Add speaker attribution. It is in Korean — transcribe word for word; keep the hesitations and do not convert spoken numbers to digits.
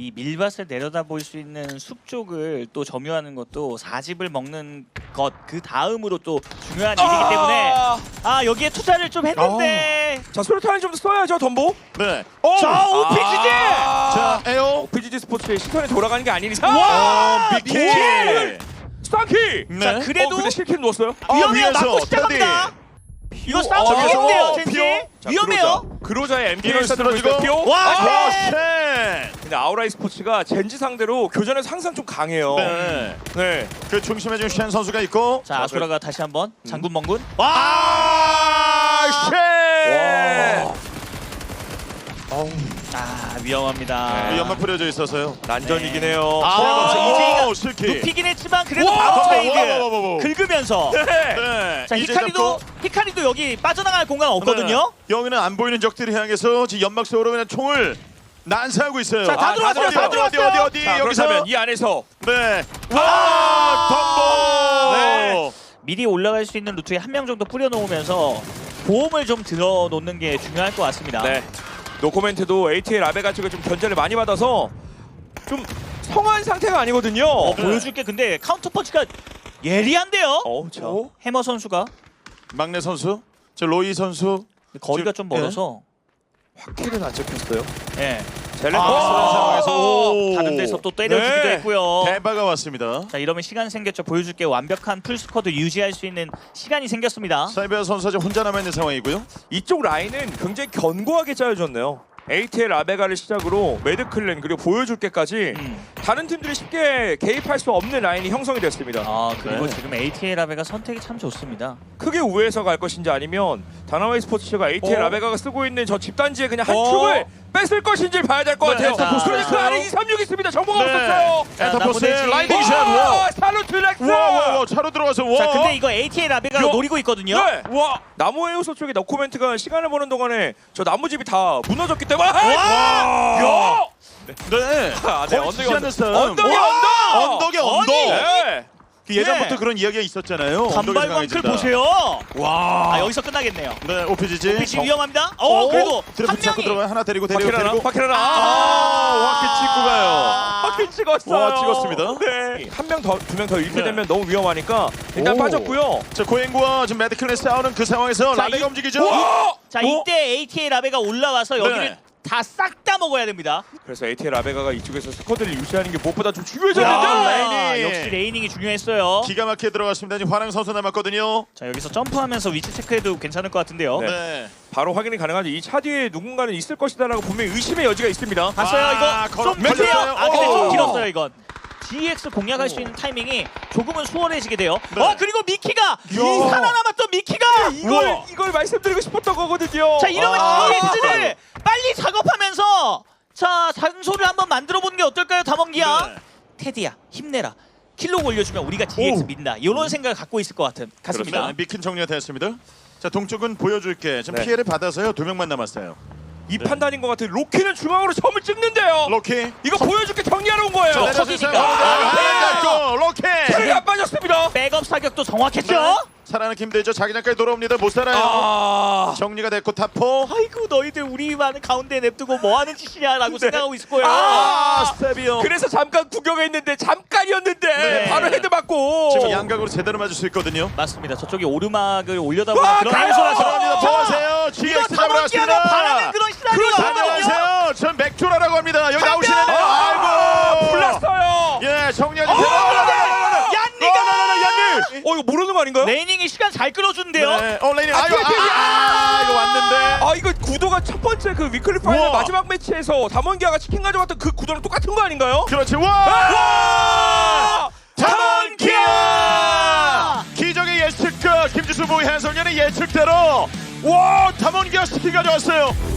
Speaker 1: 이 밀밭을 내려다볼 수 있는 숲 쪽을 또 점유하는 것도 사집을 먹는 것 그 다음으로 또 중요한 일이기 때문에 아 여기에 투자를 좀 했는데
Speaker 2: 자 수류탄을 좀 써야죠 덤보.
Speaker 3: 네.
Speaker 2: 오!
Speaker 1: 자 오피지지!
Speaker 3: 자 에어.
Speaker 2: 오피지지 스포츠의 시선이 돌아가는 게 아닌 이상.
Speaker 3: 와 미키.
Speaker 2: 미키! 스탄키.
Speaker 3: 네.
Speaker 1: 자 그래도
Speaker 2: 어, 근데 실킬 넣었어요.
Speaker 1: 위험해요.
Speaker 3: 위에서
Speaker 1: 맞고 시작합니다. 이거 싸움
Speaker 3: 어,
Speaker 1: 좋겠는데요
Speaker 3: 어,
Speaker 1: 젠지?
Speaker 2: 자,
Speaker 1: 위험해요.
Speaker 2: 그로자. 그로자의 엠피를
Speaker 3: 이럴 쓰러지고.
Speaker 2: 쓰러지고.
Speaker 1: 와,
Speaker 3: 와
Speaker 1: 네.
Speaker 3: 쉣.
Speaker 2: 근데 아우라이 스포츠가 젠지 상대로 교전에서 항상 좀 강해요.
Speaker 3: 네.
Speaker 2: 네.
Speaker 3: 그 중심에 지금 쉔 선수가 있고.
Speaker 1: 자 아수라가 다시 한번 장군 멍군.
Speaker 3: 아 쉣.
Speaker 2: 어우,
Speaker 1: 아 위험합니다.
Speaker 3: 이 연막 뿌려져 있어서요.
Speaker 2: 난전이긴 해요.
Speaker 1: 아, 이제이가
Speaker 3: 실키.
Speaker 1: 눕히긴 했지만 그래도
Speaker 2: 와,
Speaker 1: 바로
Speaker 3: 와, 와, 와, 와,
Speaker 1: 트레이드 긁으면서
Speaker 2: 네.
Speaker 3: 네.
Speaker 1: 자
Speaker 3: 이제
Speaker 1: 히카리도
Speaker 3: 잡고.
Speaker 1: 히카리도 여기 빠져나갈 공간 없거든요.
Speaker 3: 네. 여기는 안 보이는 적들을 향해서 지금 연막 속으로 그냥 총을 난사하고 있어요.
Speaker 1: 자, 다
Speaker 3: 아,
Speaker 1: 들어왔어요,
Speaker 3: 어디,
Speaker 1: 다
Speaker 3: 어디, 어디
Speaker 1: 들어왔어요.
Speaker 3: 어디 어디
Speaker 2: 자,
Speaker 3: 여기서
Speaker 2: 그렇다면 이 안에서
Speaker 3: 네. 와 덤보.
Speaker 2: 네.
Speaker 1: 미리 올라갈 수 있는 루트에 한 명 정도 뿌려놓으면서 보험을 좀 들어놓는 게 중요할 것 같습니다.
Speaker 2: 네. 노코멘트도 에이티엘 아베가 쪽에 좀 견제를 많이 받아서 좀 성한 상태가 아니거든요.
Speaker 1: 어, 보여줄게. 근데 카운터 펀치가 예리한데요.
Speaker 2: 어, 자.
Speaker 1: 해머 선수가
Speaker 3: 막내 선수, 저 로이 선수.
Speaker 1: 거리가 좀
Speaker 3: 지금-
Speaker 1: 멀어서
Speaker 2: 확킬은 안 잡혔어요.
Speaker 1: 예.
Speaker 2: 젤렌
Speaker 3: 아,
Speaker 2: 아,
Speaker 3: 상황에서 오.
Speaker 1: 다른 데서 또 때려주기도
Speaker 2: 네.
Speaker 1: 했고요.
Speaker 3: 대바가 왔습니다.
Speaker 1: 자 이러면 시간 생겼죠. 보여줄게. 완벽한 풀스쿼드 유지할 수 있는 시간이 생겼습니다.
Speaker 3: 사이버 선수가 지금 혼자 남아 있는 상황이고요.
Speaker 2: 이쪽 라인은 굉장히 견고하게 짜여졌네요. 에이티엘 아베가를 시작으로 매드클랜 그리고 보여줄게까지
Speaker 1: 음.
Speaker 2: 다른 팀들이 쉽게 개입할 수 없는 라인이 형성이 됐습니다.
Speaker 1: 아 그리고
Speaker 3: 네.
Speaker 1: 지금 에이티엘 아베가 선택이 참 좋습니다.
Speaker 2: 크게 우회해서 갈 것인지 아니면 다나와이 스포츠가 에이티엘
Speaker 3: 어?
Speaker 2: 아베가가 쓰고 있는 저 집단지의 그냥 한
Speaker 3: 어?
Speaker 2: 축을 뺐을 것인지 봐야 될 것
Speaker 3: 네,
Speaker 2: 같아요.
Speaker 1: 자,
Speaker 2: 그런데 그 안에 이삼육 있습니다. 정보가 없었어요.
Speaker 1: 자,
Speaker 3: 에타포스
Speaker 1: 나머지-
Speaker 3: 라이딩 샷.
Speaker 2: 와,
Speaker 3: 와.
Speaker 2: 살루트 렉스.
Speaker 3: 와와와 차로 들어가서 와.
Speaker 1: 자 근데 이거 에이티엘 아베가
Speaker 2: 요-
Speaker 1: 노리고 있거든요.
Speaker 2: 네. 와. 나무 해우소 쪽에 너코멘트가 시간을 보는 동안에 저 나무집이 다 무너졌기 때문에. 와! 야!
Speaker 3: 네.
Speaker 2: 아, 네,
Speaker 3: 거의
Speaker 2: 언덕이
Speaker 3: 지지 않는 싸움.
Speaker 2: 언덕이
Speaker 3: 와!
Speaker 2: 언덕.
Speaker 3: 언덕이 언덕.
Speaker 2: 네.
Speaker 3: 그 예전부터
Speaker 1: 네.
Speaker 3: 그런 이야기가 있었잖아요. 언덕에서
Speaker 1: 단발광클
Speaker 3: 강해진다.
Speaker 1: 보세요.
Speaker 3: 와.
Speaker 1: 아 여기서 끝나겠네요.
Speaker 3: 네 오피지지.
Speaker 1: 피치 위험합니다. 어 그래도 한
Speaker 3: 들어붙잡고
Speaker 1: 명이
Speaker 3: 들어가요. 하나 데리고 데리고
Speaker 2: 파키라나?
Speaker 3: 데리고.
Speaker 2: 파키라나?
Speaker 3: 아, 와키 찍고 가요.
Speaker 2: 파키 찍었어요.
Speaker 3: 와, 찍었습니다.
Speaker 2: 네. 한 명 더, 두 명 더 잃게
Speaker 3: 네.
Speaker 2: 되면 너무 위험하니까 일단
Speaker 3: 오.
Speaker 2: 빠졌고요.
Speaker 3: 자 고행구와 지금 매드클랜 싸우는 그 상황에서
Speaker 1: 자,
Speaker 3: 라베가
Speaker 1: 이-
Speaker 3: 움직이죠.
Speaker 2: 와!
Speaker 1: 자
Speaker 2: 어?
Speaker 1: 이때 에이티엘 아베가 올라와서 여기를
Speaker 3: 네.
Speaker 1: 다 싹 다 먹어야 됩니다.
Speaker 2: 그래서 에이티엘 아베가가 이쪽에서 스쿼드를 유지하는 게 무엇보다 좀
Speaker 3: 야,
Speaker 2: 중요해졌는데.
Speaker 3: 레이닝.
Speaker 1: 역시 레이닝이 중요했어요.
Speaker 3: 기가 막히게 들어갔습니다. 지금 화랑 선수 남았거든요.
Speaker 1: 자 여기서 점프하면서 위치 체크해도 괜찮을 것 같은데요.
Speaker 2: 네.
Speaker 3: 네.
Speaker 2: 바로 확인이 가능하죠. 이 차 뒤에 누군가는 있을 것이다라고 분명히 의심의 여지가 있습니다.
Speaker 1: 봤어요
Speaker 3: 아,
Speaker 1: 이거
Speaker 3: 걸어-
Speaker 1: 좀 길어요.
Speaker 3: 걸렸어요.
Speaker 1: 아 근데
Speaker 3: 오.
Speaker 1: 좀 길었어요 이건. 지엑스 공략할 수 있는 타이밍이 조금은 수월해지게 돼요.
Speaker 3: 네.
Speaker 1: 어 그리고 미키가 이 살아남았던 미키가
Speaker 2: 이걸
Speaker 3: 우와.
Speaker 2: 이걸 말씀드리고 싶었던 거거든요.
Speaker 1: 자 이러면
Speaker 2: 아.
Speaker 1: 지엑스를 빨리 작업하면서 자 단소를 한번 만들어 보는 게 어떨까요 담원기야?
Speaker 3: 네.
Speaker 1: 테디야 힘내라. 킬로 올려주면 우리가 지엑스
Speaker 3: 오.
Speaker 1: 민다. 이런 생각을 갖고 있을 것 같은 같습니다.
Speaker 3: 그렇죠. 미킨 정리가 됐습니다. 자 동쪽은 보여줄게. 지금
Speaker 2: 네.
Speaker 3: 피해를 받아서요. 두 명만 남았어요.
Speaker 2: 이 판단인 것 같아요. 로키는 중앙으로 점을 찍는데요.
Speaker 3: 로키.
Speaker 2: 이거 보여줄게 정리하러 온 거예요.
Speaker 1: 저-
Speaker 3: 내려주세요.
Speaker 1: 턱이니까.
Speaker 3: 아, 네. 로키.
Speaker 2: 체력이 안 빠졌습니다.
Speaker 1: 백업 사격도 정확했죠?
Speaker 3: 네. 살아나기 힘들죠. 자기장까지 돌아옵니다. 못 살아요.
Speaker 2: 아.
Speaker 3: 정리가 됐고 타포.
Speaker 1: 아이고 너희들 우리만 가운데 냅두고 뭐 하는 짓이냐라고
Speaker 2: 네.
Speaker 1: 생각하고 있을 거예요.
Speaker 3: 아,
Speaker 2: 아.
Speaker 3: 스텝이요.
Speaker 2: 그래서 잠깐 구경했는데 잠깐이었는데
Speaker 1: 네.
Speaker 2: 바로 헤드 맞고.
Speaker 3: 지금 양각으로 제대로 맞을 수 있거든요.
Speaker 1: 맞습니다. 저쪽에 오르막을 올려다보는
Speaker 2: 와,
Speaker 1: 그런
Speaker 2: 가요!
Speaker 1: 행소라서
Speaker 3: 들어갑니다.
Speaker 2: 자,
Speaker 3: 보세요.
Speaker 1: 이거
Speaker 3: 지엑스 잡으러
Speaker 1: 담원기하면
Speaker 3: 왔습니다.
Speaker 1: 바라는 그런 시나리오거든요.
Speaker 3: 안녕하세요. 전 맥주라라고 합니다. 여기
Speaker 1: 한
Speaker 3: 나오시네요.
Speaker 1: 명!
Speaker 3: 아이고.
Speaker 2: 불났어요.
Speaker 3: 예, 정리하기.
Speaker 1: 어,
Speaker 3: 얀니가. 얀니.
Speaker 2: 어 이거 모르는 거 아닌가요?
Speaker 1: 레이닝이 시간 잘 끌어준대요.
Speaker 3: 네. 어, 레이닝.
Speaker 2: 아,
Speaker 3: 아유,
Speaker 2: 뒤에, 뒤에, 뒤에.
Speaker 3: 아, 이거 왔는데.
Speaker 2: 아 이거 구도가 첫 번째 그 위클리 파이널
Speaker 3: 우와.
Speaker 2: 마지막 매치에서 담원기아가 치킨 가져왔던 그 구도랑 똑같은 거 아닌가요?
Speaker 3: 그렇지. 와!
Speaker 2: 와!
Speaker 3: 담원기아! 기적의 예측가 김지수 보이 해설위원의 예측대로 와 담원기아 스킬 가져왔어요.